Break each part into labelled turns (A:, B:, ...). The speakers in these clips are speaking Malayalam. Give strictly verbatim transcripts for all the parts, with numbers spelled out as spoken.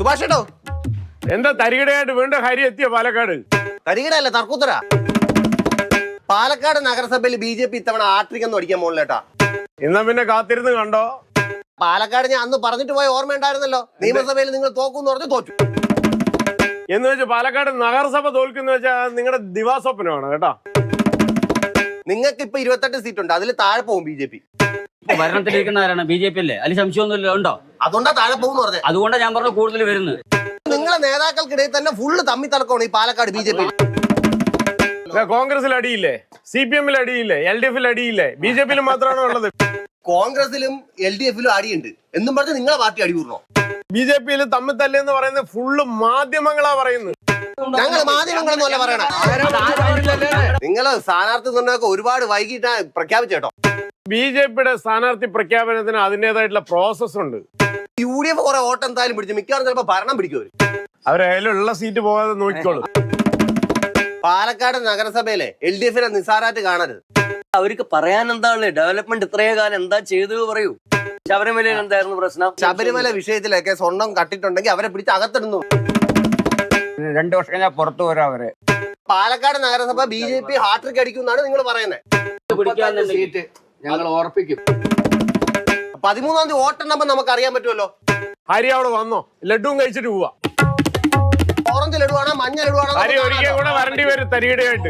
A: സുഭാഷ് കേട്ടോ
B: എന്താ തരികിടയായിട്ട് വീണ്ടും ഹരി എത്തിയ പാലക്കാട്?
A: തരികിടല്ല, തർക്കുത്തര. പാലക്കാട് നഗരസഭയിൽ ബി ജെ പി ഇത്തവണ ആട്രിക്കൊന്നും അടിക്കാൻ മുകളിലേട്ടാ.
B: എന്നാ പിന്നെ കാത്തിരുന്ന് കണ്ടോ.
A: പാലക്കാട് ഞാൻ അന്ന് പറഞ്ഞിട്ട് പോയ ഓർമ്മ ഉണ്ടായിരുന്നല്ലോ, നിയമസഭയിൽ നിങ്ങൾ തോക്കും പറഞ്ഞു തോറ്റു
B: എന്ന് വെച്ചാൽ പാലക്കാട് നഗരസഭ തോൽക്കുന്ന വെച്ചാൽ നിങ്ങളുടെ ദിവാസ്വപ്നമാണ് കേട്ടോ.
A: നിങ്ങൾക്ക് ഇപ്പൊ ഇരുപത്തെട്ട് സീറ്റ് ഉണ്ട്, അതിൽ താഴെ പോകും ബി ജെ പി.
C: ഭരണത്തിലിരിക്കുന്നവരാണ് ബി ജെ പി അല്ലേ, അതിൽ സംശയമൊന്നുമില്ല. ഉണ്ടോ?
A: അതുകൊണ്ടാ താഴെ പോകും പറഞ്ഞത്.
C: അതുകൊണ്ടാണ് ഞാൻ പറഞ്ഞു കൂടുതൽ വരുന്നത്.
A: നിങ്ങളെ നേതാക്കൾക്കിടയിൽ തന്നെ ഫുള്ള് തമ്മി തലക്കമാണ് ഈ പാലക്കാട് ബി ജെ പി.
B: കോൺഗ്രസിൽ അടിയില്ലേ, സി പി എമ്മിൽ അടിയില്ലേ, എൽ ഡി എഫിൽ അടിയില്ലേ, ബി ജെ പിയിലും മാത്രമാണോ ഉള്ളത്?
A: കോൺഗ്രസിലും എൽ ഡി എഫിലും അടിയുണ്ട് എന്നും പറഞ്ഞ് നിങ്ങളെ പാർട്ടി അടി കൂടണോ?
B: ബി ജെ പിയിൽ തമ്മിൽ തല്ലെന്ന് പറയുന്നത് ഫുള്ള് മാധ്യമങ്ങളാ പറയുന്നത്.
A: ഞങ്ങൾ മാധ്യമങ്ങളൊന്നുമല്ല പറയണേ. നിങ്ങള് സ്ഥാനാർത്ഥി നിർണ്ണയമൊക്കെ ഒരുപാട് വൈകിട്ടാ പ്രഖ്യാപിച്ചേട്ടോ.
B: ബി ജെ പിയുടെ സ്ഥാനാർത്ഥി പ്രഖ്യാപനത്തിന് അതിന്റേതായിട്ടുള്ള പ്രോസസ് ഉണ്ട്.
A: യു ഡി എഫ് കുറെ വോട്ട് എന്തായാലും പിടിച്ചു, മിക്കവാറും ചിലപ്പോ ഭരണം പിടിക്കും.
B: അവരതിലുള്ള സീറ്റ് പോകാതെ നോക്കിക്കോളും.
A: പാലക്കാട് നഗരസഭയിലെ എൽ ഡി എഫിനെ നിസാരായിട്ട് കാണരുത്.
D: അവർക്ക് പറയാൻ എന്താണ്? ഡെവലപ്മെന്റ് ഇത്രയോ കാലം എന്താ ചെയ്തു പറയൂ. ശബരിമലയിൽ എന്തായിരുന്നു പ്രശ്നം?
A: ശബരിമല വിഷയത്തിലൊക്കെ സ്വർണം കട്ടിട്ടുണ്ടെങ്കിൽ അവരെ പിടിച്ച് അകത്തിടുന്നു.
E: രണ്ടു വർഷം ഞാൻ പുറത്തു വരാം അവരെ.
A: പാലക്കാട് നഗരസഭ ബി ജെ പി ഹാട്രിക് അടിക്കുന്നാണ് നിങ്ങൾ പറയുന്നത്.
D: സീറ്റ് ഞങ്ങൾ ഓർപ്പിക്കും.
A: പതിമൂന്നാം തീയതി വോട്ടെണ്ണുമ്പോ നമുക്ക് അറിയാൻ പറ്റുമല്ലോ.
B: ഹരി അവിടെ വന്നോ, ലഡുവും കഴിച്ചിട്ട് പോവാ.
A: ഓറഞ്ച് ലഡുവാണോ മഞ്ഞ ലഡുവാണോ?
B: ഹരി ഒരിക്കൽ കൂടെ വരേണ്ടി വരും തരികിടയായിട്ട്.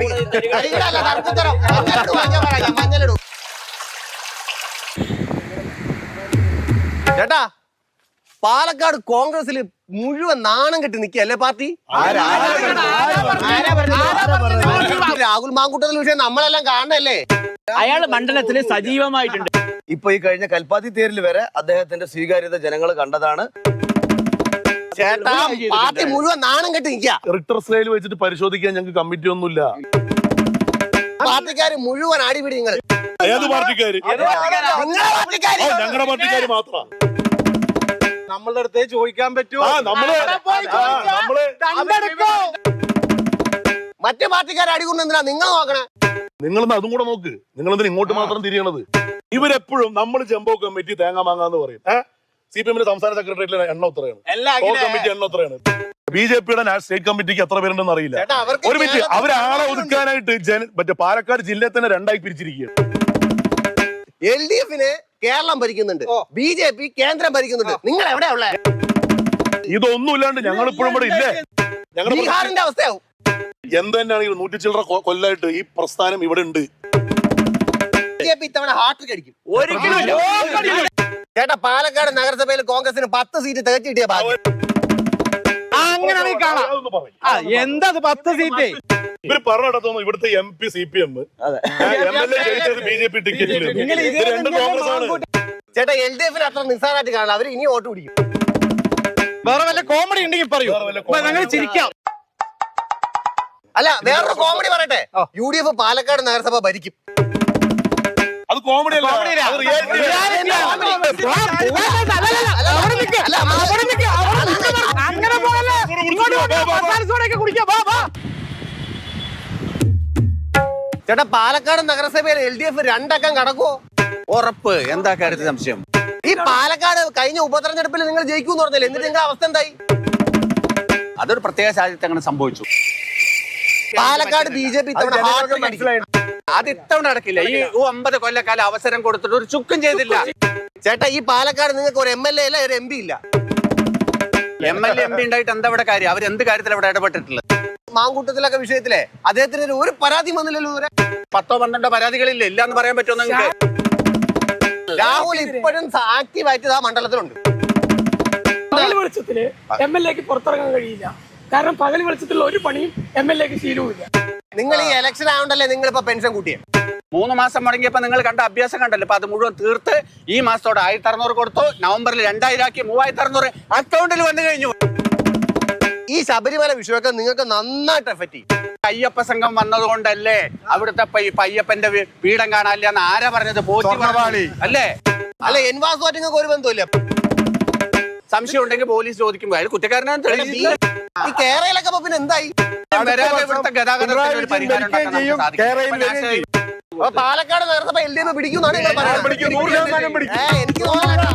A: മഞ്ഞ ലഡു ചേട്ടാ, പാലക്കാട് കോൺഗ്രസിൽ മുഴുവൻ നാണം കെട്ടി നിൽക്കല്ലേ പാർട്ടി. രാഹുൽ മാങ്കൂട്ടത്തിൽ വിഷയം നമ്മളെല്ലാം കാണണല്ലേ.
C: അയാൾ മണ്ഡലത്തിൽ സജീവമായിട്ടുണ്ട്.
D: ഇപ്പൊ ഈ കഴിഞ്ഞ കൽപ്പാത്തി തേരിൽ വരെ അദ്ദേഹത്തിന്റെ സ്വീകാര്യത ജനങ്ങൾ കണ്ടതാണ്.
A: ചേട്ടാ, പാർട്ടി മുഴുവൻ നാണം കെട്ടി നിൽക്കുക.
F: റിക്ടർ സ്കെയിൽ വെച്ചിട്ട് പരിശോധിക്കാൻ ഞങ്ങൾക്ക് കമ്മിറ്റി ഒന്നുമില്ല.
A: പാർട്ടിക്കാര് മുഴുവൻ അടിപിടി. നിങ്ങൾ
F: ഏത് പാർട്ടിക്കാര്? ഞങ്ങളുടെ പാർട്ടിക്കാര് മാത്രം.
E: നമ്മളുടെ അടുത്തേ ചോദിക്കാൻ പറ്റുമോ?
A: മറ്റു പാർട്ടിക്കാരെ അടികൊണ്ട് എന്തിനാ നിങ്ങൾ നോക്കണേ?
F: നിങ്ങളെന്ന് അതും കൂടെ നോക്ക്. നിങ്ങളെന്തിനാ ഇങ്ങോട്ട് മാത്രം തിരിയണത്? ഇവരെപ്പോഴും നമ്മൾ ചെമ്പോ കമ്മിറ്റി തേങ്ങ മാങ്ങാന്ന് പറയും. സി പി എമ്മിന്റെ സംസ്ഥാന സെക്രട്ടേറിയറ്റിലെ എണ്ണം എത്രയാണ്? കമ്മിറ്റി എണ്ണം എത്രയാണ്? ബി ജെ പിയുടെ സ്റ്റേറ്റ് കമ്മിറ്റിക്ക് എത്ര പേരുണ്ടെന്ന് അറിയില്ല. ഒരു മിനിറ്റ്, അവരാളെ ഒതുക്കാനായിട്ട് മറ്റേ പാലക്കാട് ജില്ലയെ തന്നെ രണ്ടായി പിരിച്ചിരിക്കുകയാണ്.
A: എൽ ഡി എഫിന് കേരളം ഭരിക്കുന്നുണ്ട്, ബി ജെ പി കേന്ദ്രം ഭരിക്കുന്നുണ്ട്. നിങ്ങൾ എവിടെയാ ഉള്ളേ?
F: ഇതൊന്നും ഇല്ലാണ്ട് ഞങ്ങൾ ഇപ്പോഴും ഇവിടെ ഇല്ലേ? ഞങ്ങളുടെ
A: ബീഹാറിന്റെ അവസ്ഥയാവും.
F: എന്ത് തന്നെയാണെങ്കിലും നൂറ്റി ചില്ലറ കൊല്ലായിട്ട് ഈ പ്രസ്ഥാനം ഇവിടെ ഉണ്ട്.
A: ബി ജെ പി ഇത്തവണ ഹാട്രിക് അടിക്കും. ചേട്ടാ, പാലക്കാട് നഗരസഭയിൽ കോൺഗ്രസിന് പത്ത് സീറ്റ് തികച്ചു കിട്ടിയ ഭാഗ്യം.
E: അങ്ങനെയാണെങ്കിൽ കാണാം. എന്താ പത്ത് സീറ്റ്?
F: ഇവര് പറഞ്ഞിടത്തോന്നു ഇവിടുത്തെ M P C P M, M L A ജയിച്ചത് ബി ജെ പി ടിക്കറ്റിൽ. രണ്ട് കോൺഗ്രസ് ആണ്.
A: ചേട്ടാ, എൽ ഡി എഫിന് അത്ര നിസ്സാരമായിട്ട് കാണില്ല. അവര് ഇനി വോട്ട് പിടിക്കും.
E: വേറെ വല്ല കോമഡി ഉണ്ടെങ്കിൽ പറയൂ, ഞങ്ങൾ ചിരിക്കാം.
A: അല്ല, വേറൊരു കോമഡി പറയട്ടെ. യു ഡി എഫ് പാലക്കാട് നഗരസഭ ഭരിക്കും.
F: അത് കോമഡി അല്ല.
A: ചേട്ടാ, പാലക്കാട് നഗരസഭയിൽ എൽ ഡി എഫ് രണ്ടക്കം കടക്കുവോ?
E: ഉറപ്പ്. എന്താ കാര്യത്തിൽ സംശയം?
A: ഈ പാലക്കാട് കഴിഞ്ഞ ഉപതെരഞ്ഞെടുപ്പിൽ നിങ്ങൾ ജയിക്കൂന്ന് പറഞ്ഞില്ലേ, എന്നിട്ട് നിങ്ങളുടെ അവസ്ഥ എന്തായി?
E: അതൊരു പ്രത്യേക സാഹചര്യത്തിൽ അങ്ങനെ സംഭവിച്ചു.
A: പാലക്കാട് ബി ജെ പി
E: അത് ഇത്തവണ നടക്കില്ല. ഈ ഒമ്പത് കൊല്ലക്കാലം അവസരം കൊടുത്തിട്ട് ഒരു ചുക്കും ചെയ്തില്ല.
A: ചേട്ടാ, ഈ പാലക്കാട് നിങ്ങൾക്ക് ഒരു എം എൽ എ ഇല്ല, ഒരു എം പി ഇല്ല.
E: M L A M P ഉണ്ടായിട്ട് എന്താ ഇവിടെ കാര്യം? അവർ എന്ത് കാര്യത്തിൽ ഇവിടെ ഇടപെട്ടിട്ടുള്ളത്?
A: മാങ്കൂട്ടത്തിലൊക്കെ വിഷയത്തിലെ അദ്ദേഹത്തിന് ഒരു പരാതി വന്നില്ലല്ലോ.
E: പത്തോ പന്ത്രണ്ടോ പരാതികളില്ല. ഇല്ല എന്ന് പറയാൻ പറ്റുമോ നിങ്ങൾക്ക്?
A: രാഹുൽ ഇപ്പോഴും ആക്റ്റീവായിട്ട് ആ മണ്ഡലത്തിലുണ്ട്.
G: പകൽ വെളിച്ചത്തില് എം എൽ എക്ക് പുറത്തിറങ്ങാൻ കഴിയില്ല. കാരണം പകൽ വെളിച്ചത്തിലുള്ള ഒരു പണിയും എം എൽ എക്ക് ശീലവുമില്ല.
A: നിങ്ങൾ ഈ ഇലക്ഷൻ ആവണ്ടല്ലേ നിങ്ങൾ ഇപ്പൊ പെൻഷൻ കൂട്ടിയേ?
E: മൂന്ന് മാസം മുടങ്ങിയപ്പോ നിങ്ങൾ കണ്ട അഭ്യാസം കണ്ടല്ലോ. അപ്പൊ അത് മുഴുവൻ തീർത്ത് ഈ മാസത്തോടെ ആയിരത്തി അറുന്നൂറ് കൊടുത്തു. നവംബറിൽ രണ്ടായിരം ആക്കി മൂവായിരത്തി അറുന്നൂറ് അക്കൗണ്ടിൽ വന്നു കഴിഞ്ഞു.
A: ഈ ശബരിമല വിഷയമൊക്കെ നിങ്ങൾക്ക് നന്നായിട്ട് എഫക്ട് ചെയ്യും.
E: അയ്യപ്പ സംഘം വന്നത് കൊണ്ടല്ലേ അവിടുത്തെ അയ്യപ്പന്റെ പീഠം കാണാനില്ല എന്ന് ആരാ പറഞ്ഞത്? പോറ്റി അല്ലേ?
A: അല്ല, എൻവാസുമായിട്ട് നിങ്ങൾക്ക് ഒരു ബന്ധമില്ല.
E: സംശയം ഉണ്ടെങ്കിൽ പോലീസ് ചോദിക്കുമ്പോൾ അയാൾ കുറ്റക്കാരനാണ് തെളിയിച്ചു.
A: ഈ കേരളയിലൊക്കെ പിന്നെ എന്തായി?
E: ഇവിടുത്തെ ഗതാഗതത്തിന് ഒരു പരിഹാരം ഉണ്ടാക്കാൻ സാധിക്കും.
A: പാലക്കാട് നഗരസഭ എൽ ഡി എഫ് പിടിക്കുന്നാണ് നിങ്ങൾ പറയുന്നത്. എനിക്ക് തോന്നുന്നു